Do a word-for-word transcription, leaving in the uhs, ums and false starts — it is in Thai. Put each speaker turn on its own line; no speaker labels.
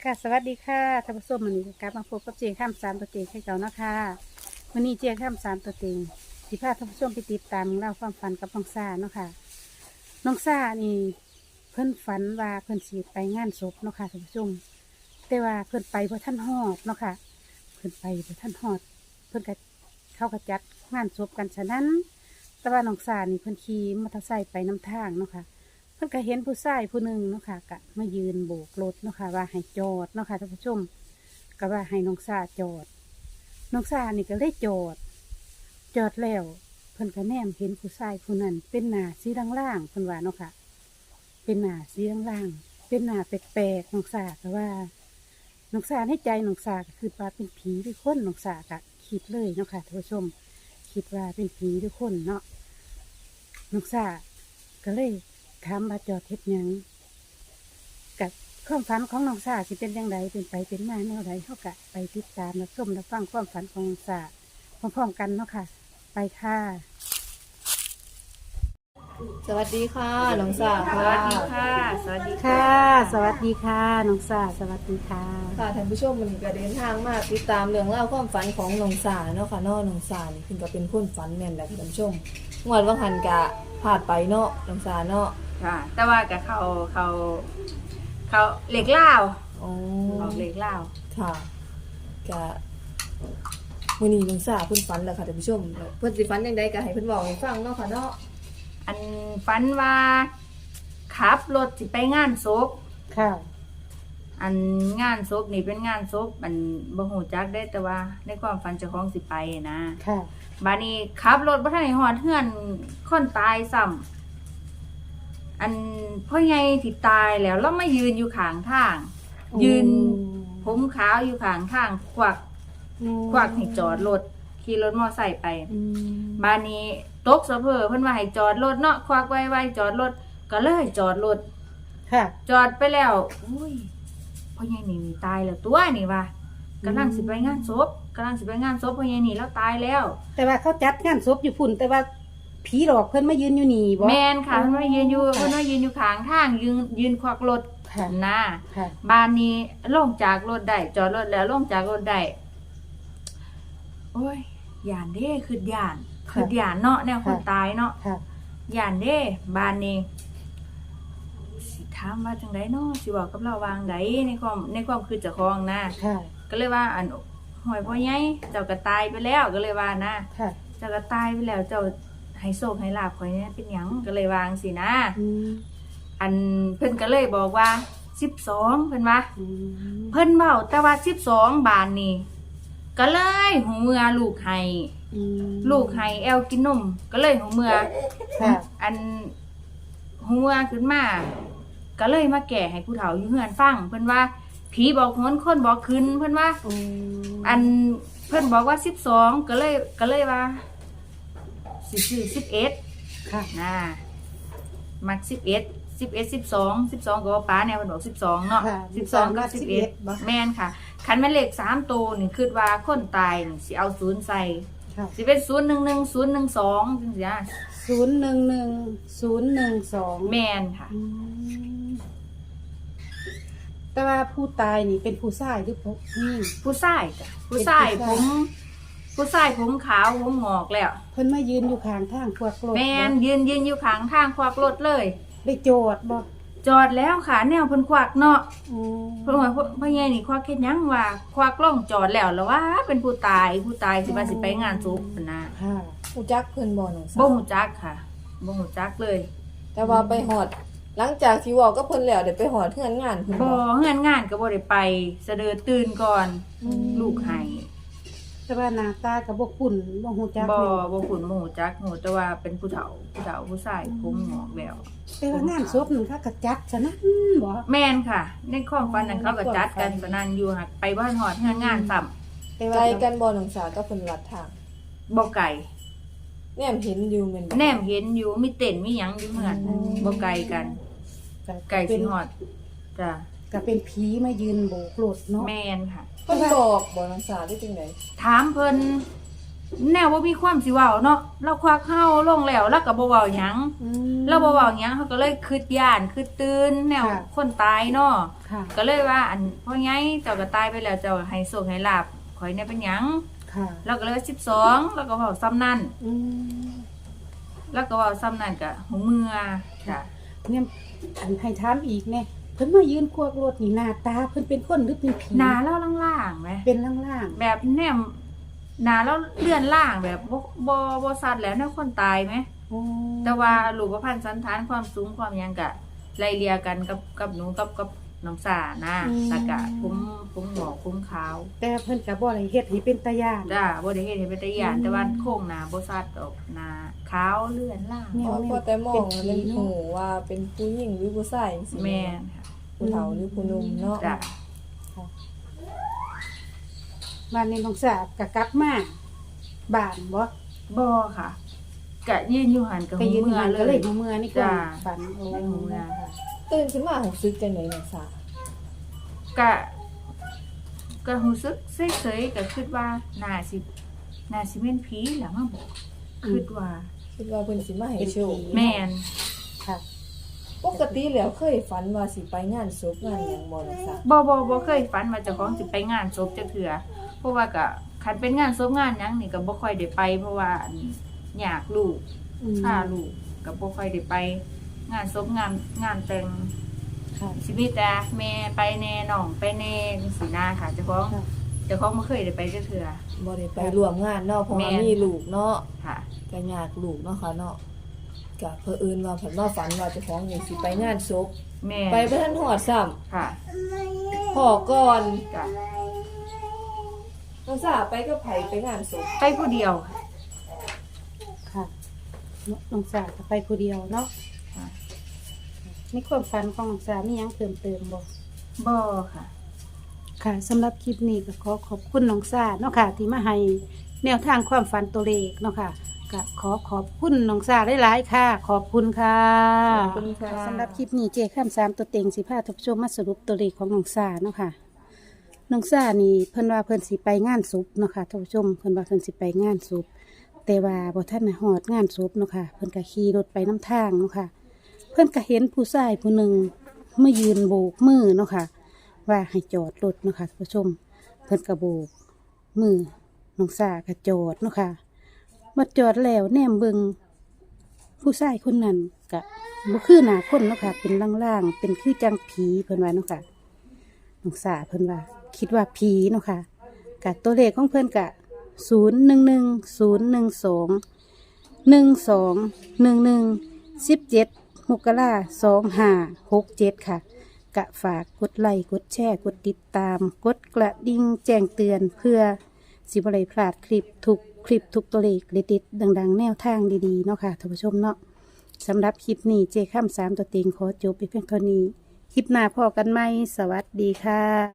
ค่ะสวัสดีค่ะท่านผู้ชมวันนี้กลับมาพบกับเจียงข้ามสามตัวเต็งให้เก่านะคะวันนี้เจียงข้ามสามตัวเต็งสิพาท่านผู้ชมไปติดตามเล่าความฝันกับน้องซ่าเนาะค่ะน้องซ่านี่เพิ่นฝันว่าเพิ่นสีไปงานศพเนาะค่ะท่านผู้ชมแต่ว่าเพิ่นไปเพราะท่านฮอดเนาะค่ะเพิ่นไปเพราะท่านฮอดเพิ่นก็เข้ากระจัดงานศพกันฉะนั้นแต่ว่าน้องซ่านี่เพิ่นขี่มอเตอร์ไซค์ไปน้ำทางเนาะค่ะ เพิ่นก็เห็นผู้ชายผู้หนึ่งเนาะค่ะก็มายืนโบกรถเนาะค่ะว่าให้จอดเนาะค่ะท่านผู้ชมก็ว่าให้น้องซาจอดน้องซานี่ก็เลยจอดจอดแล้วเพิ่นก็แนมเห็นผู้ชายผู้นั้นเป็นหน้าสีล่างๆเพิ่นว่าเนาะค่ะเป็นหน้าสีล่างๆเป็นหน้าแปลกๆน้องซาก็ว่าน้องซาในใจน้องซาก็คือว่าเป็นผีหรือคนน้องซาก็คิดเลยเนาะค่ะท่านผู้ชมคิดว่าเป็นผีหรือคนเนาะน้องซาก็เลยถามว่าจอดเฮ็ดหยังกับความฝันของน้องสาสิเป็นยังไงเป็นไปเป็นมาแนวใดเขากะไปติดตามและชมและฟังความฝันของน้องสาพร้อมๆกันเนาะค่ะ ไปค่ะ
สวัสดีค่ะน้องสา
ส
ค่ะ
วัสดีค่ะ สวัสดี
ค่ะ สวัสดีค่ะน้องสาสวัสดีค่ะ
ค่ะท่านผู้ชมวันนี้ก็เดินทางมาติดตามเรื่องเล่าวความฝันของน้องสาเนาะค่ะเนาะน้องสานี่คือก็เป็นคนฝันแม่นแหละค่ะท่านผู้ชมงวดว่าหันกะพลาดไปเนาะน้องสาเนาะ
ค่ะ แต่ว่ากับเขาเขาเขาเหล็กเล่าว
อ๋อ
ออกเหล็กเล่าว
ค่ะกะมื้อนี้น้องสาเพิ่นฝันแล้วค่ะท่านผู้ชมเพิ่นสิฝันจังไดก็ให้เพิ่นบอกให้ฟังเนาะค่ะเนาะ
อันฝันว่าขับรถสิไปงานศพ
ค่ะ
อันงานศพนี่เป็นงานศพมันบ่ฮู้จักได้แต่ว่าในความฝันเจ้าของสิไปนะ
ค่ะ
บาดนี้ขับรถบ่ทันได้ฮอดเฮือนคนตายซ้ำอันพ่อใหญ่ที่ตายแล้วเรามายืนอยู่ข้างทาง ยืนผมขาวอยู่ข้างทางควัก ควักให้จอดรถขี่รถมอไซค์ไป
อืม
บ้านนี้ตกสะเพอเพิ่นว่าให้จอดรถเนาะควักไว้ๆจอดรถก็เลยจอดรถ
ค่ะ
จอดไปแล้วอุ้ยพ่อใหญ่นี่นี่ตายแล้วตัวนี่ว่ากำลังสิไปงานศพกำลังสิไปงานศพพ่อใหญ่นี่แล้วตายแล้ว
แต่ว่าเขาจัดงานศพอยู่พุ่นแต่ว่าผีหลอกเพิ่นมายืนอยู่นี่บ่
แม่นค่ะเพิ่นว่ายืนอยู่เพิ่นว่ายืนอยู่ข้างทางยืนยืนควักรถ
ค่ะ
นะ
ค่ะ
บ้านนี้ลงจากรถได้จอดรถแล้วลงจากรถได้โอ้ยย่านเด้คือย่านคือย่านเนาะแนวคนตายเนาะ
ค่ะ
ย่านเด้บ้านนี้สิถามว่าจังไดเนาะสิบอกกับเราวางไดในความในความคือเจ้าของนะ
ค่ะ
ก็เลยว่าอันหอยพ่อใหญ่เจ้าก็ตายไปแล้วก็เลยว่านะ
ค่ะ
เจ้าก็ตายไปแล้วเจ้าให้โชคให้ลาภข่อยเนี่ยเป็นหยังก็เลยวางสินะ
อืม
อันเพิ่นก็เลยบอกว่าสิบสองเพิ่นว่า
อืม
เพิ่นเว้าแต่ว่าสิบสองบาทนี่ก็เลยหูเมือลูกให้
อืม
ลูกให้แอลกินนมก็เลยหูเมือ
ค่ะ
อันหูเมือขึ้นมาก็เลยมาแก่ให้ผู้เฒ่าอยู่เฮือนฟังเพิ่นว่าผีบอกหนคนบอกขึ้นเพิ่นว่า
อืม
อันเพิ่นบอกว่าสิบสองก็เลยก็เลยว่าสิซื้อสิบเอ็ด
ค่ะ
นะมักสิบเอ็ดสิบเอ็ดสิบสองสิบสองก็ว่าป้าเนี่ยเพิ่นบอกสิบสองเนาะ
ค่ะ
สิบสองกับสิบเอ็ด
บ่
แม่นค่ะคันแม่นเลขสามตัวนี่คิดว่าคนตายนี่สิเอาศูนย์ใส่
ค่ะ
สิเป็นศูนย์หนึ่งหนึ่งศูนย์หนึ่งสองจังซี่นะ
ศูนย์หนึ่งหนึ่งศูนย์หนึ่งสอง
แม่นค่ะ
อืมแต่ว่าผู้ตายนี่เป็นผู้ชายหรือผู้หญิง
ผู้ชายจ้ะผู้ชาย
เป็น
ผ
ผู้
ม
ชาย
ผู้ชายผมขาวผมงอกแล้ว
เพิ่นมายืนอยู่ข้างทางพวกรถ
แม่น
บ่
ยืนยืนอยู่ข้างทางควักรถเลย
ได้โจทย์บ่
จอดแล้วค่ะแนวเพิ่นควักเนาะ
อืม
เพิ่นว่าพ่อใหญ่นี่ควักเฮ็ดหยังว่าควักล่องจอดแล้วแล้วว่าเป็นผู้ตายผู้ตายสิว่าสิไปงานศพพุ่นนะ
ค่ะ
รู้จักเพิ่นบ่น้องสา
บ่ฮู้จักค่ะบ่ฮู้จักเลย
แต่ว่าไปฮอดหลังจากที่เว้ากับเพิ่นแล้วได้ไปฮอดเฮือนงานเพิ่น
บ่
บ่
เฮือนงานก็บ่ได้ไปเสดอตื่นก่อน
อืม
ลูกให้
แต่ว่าหน้าตาก็บ่คุ้นบ่ฮู้จัก
บ่
แม่น
บ่คุ้นบ่ฮู้จักฮู้แต่ว่าเป็นผู้เฒ่าผู้เฒ่าผู้ชายผมงอกแล้ว
แต่ว่างานศพนึงเขาก็จัดซะนะบ่
แม่นค่ะ ในความฝันนั้นเขาก็จัดกันสนั่นอยู่หักไปบ้านฮอดเฮือนงานซ้ำ
แต่
ไก
ว่า
ลกันบ่น้องสาก็เพิ่นวัดทาง
บ่ไกล
แนมเห็นอยู่แม่นบ่
แนมเห็นอยู่มีเต็นท์มีหยังอยู่เฮือนบ่ไกลกันไกลสิฮอดจ้ะ
ก็เป็นผีมายืนโบกรถเนาะ
แม่นค่ะ
เพิ่นบอกบ่น้องสาได้จังได๋
ถามเพิ่นแนวบ่มีความสิเว้าเนาะเราควักเฮาลงแล้วแล้วก็บ่เว้าหยัง
อืม
เราบ่เว้าหยังเขาก็เลยคิดย่านคิดตื่นแนว
ค่ะ
คนตายเนาะ
ค่ะ
ก็เลยว่าอันพ่อใหญ่เจ้าก็ตายไปแล้วเจ้าให้โชคให้ลาภข่อยเนี่ยเป็นหยัง
ค่ะ
เราก็เลยว่าสิบสองแล้วก็เว้าซ้ำนั่น
อืม
แล้วก็เว้าซ้ำนั่นก็หูเมือจ้ะ
เนี่ยอันให้ถามอีกแน่เพิ่นมายืนควกรถนี่หน้าตาเพิ่นเป็นคนหรือเป็นผี
หน้าเราล่างๆไหม
เป็นล่าง
แบบแนมหนาแล้วเลื่อนล่างแบบบ่บ่บ่ซัดแล้วแนวคนตายไหม
ๆโอ้
แต่ว่ารูปพรรณสันฐานความสูงความหยังกะไล่เลียกันกับกับหนูกับกับน้องสานะแล้วก็ผมผมหงอกผมขาว
แต่เพิ่นก็บ่ได้เฮ็ดให้เป็นตาย่าน
จ้าบ่ได้เฮ็ดให้เป็นตาย่านแต่ว่าโครงหน้าบ่ซัดออกหน้าขาวเลื่อนล่าง
แม่
พอพอแต่มองแล้วมันหูว่าเป็นผู้หญิงหรือผู้ชายจังซี่
แม่นค่ะ
ผู้เฒ่าหรือผู้หนุ่มเนาะ
จ้า
บ้านนี้น้องสาวก็กลับมาบ้านบ่
บ่ค่ะกะยืนอยู่หันกับ
ก็
หู
ยืน
เมือ
หัน
เล
ก็เลย ยหูเมือนี่ก็
จ้า
ฝันโอ้
ในหูเมือค่ะ
ตื่นขึ้นมารู้สึกจังได๋น้องสาว
กะก็รู้สึกเฉยๆก็คิดว่าน่าสิน่าสิเป็นผีแหละมาบอกคิดว่า
คิดว่าเพิ่นสิมาให้โชค
แม่น
ค่ะ
ปกติแล้วเคยฝันว่าสิไปงานศพงานหยังบ่น้องสาว
บ่บ่บ่เคยฝันว่าเจ้าของสิไปงานศพจักเทื่อเพราะว่าก็คันเป็นงานศพงานหยังนี่ก็บ่ค่อยได้ไป เพราะว่าอันอยากลูก
อืม
พาลูกก็บ่ค่อยได้ไป งานศพงานงานแต่ง
ค่ะ
ชีวิตแต่แม่ไปแน่น้องไปแน่จังซี่นะค่ะเจ้าของ
ค่ะ
เจ้าของบ่เคยได้ไปจักเทื่อ
บ่ได้ไปร่วมงานเนาะเพราะว่า
แม่น
มีลูกเนาะ
ค่ะ
ก็ยากลูกเนาะค่ะเนาะก็เผอิญว่าเพิ่นมาฝันว่าเจ้าของนี่สิไปงานศพ
แม่
ไปบ่ทันฮอดซ้ำ
ค่ะ
พ่อก่อน
จ้ะ
น้องสาวไปกับไผไปงานศพ
ไปผู้เดียว
ค่ะน้องสาวก็ไปผู้เดียวเนาะ
ค่ะ
ในความฝันของน้องสาวมีหยังเพิ่มเติมบ่
บ่ค่ะ
ค่ะสำหรับคลิปนี้ก็ขอขอบคุณน้องสาวเนาะค่ะ ที่มาให้แนวทางความฝันตัวเลขเนาะค่ะก็ขอขอบคุณน้องสาวหลายๆค่ะ ขอบคุณค่ะ
ขอบคุณค่ะ
สำหรับคลิปนี้เจข้ามสามตัวเต็งสิพาท่านผู้ชมมาสรุปตัวเลขของน้องสาวเนาะค่ะ น้องซ่านี่เพิ่นว่าเพิ่นสิไปงานศพเนาะค่ะท่านผู้ชมเพิ่นว่าเพิ่นสิไปงานศพแต่ว่าบ่ทันได้ฮอดงานศพเนาะค่ะเพิ่นก็ขี่รถไปน้ำทางเนาะค่ะ เพิ่นก็เห็นผู้ชายผู้หนึ่งมายืนโบกมือเนาะค่ะ ว่าให้จอดรถเนาะค่ะท่านผู้ชม เพิ่นก็โบกมือน้องซ่าก็จอดเนาะค่ะมาจอดแล้วแนมเบิ่งผู้ชายคนนั้นก็บ่คือหน้าคนเนาะค่ะ เป็นล่างๆเป็นคือจังผีเพิ่นว่าเนาะค่ะ น้องสาเพิ่นว่า คิดว่าผีเนาะค่ะกะตัวเลขของเพิ่นกะศูนย์หนึ่งหนึ่งศูนย์หนึ่งสองหนึ่งสองหนึ่งหนึ่งสิบเจ็ดมกราสองห้าหกเจ็ดค่ะ กะฝากกดไลค์กดแชร์กดติดตาม กดกระดิ่งแจ้งเตือนเพื่อสิบไรพลาดคลิปทุกคลิปทุกตัวเลขเด็ดๆดังๆ แนวทางดีๆเนาะค่ะท่านผู้ชมเนาะสำหรับคลิปนี้เจข้ามสามตัวเต็งขอจบไปเพียงเท่านี้ คลิปหน้าพอกันไหม สวัสดีค่ะ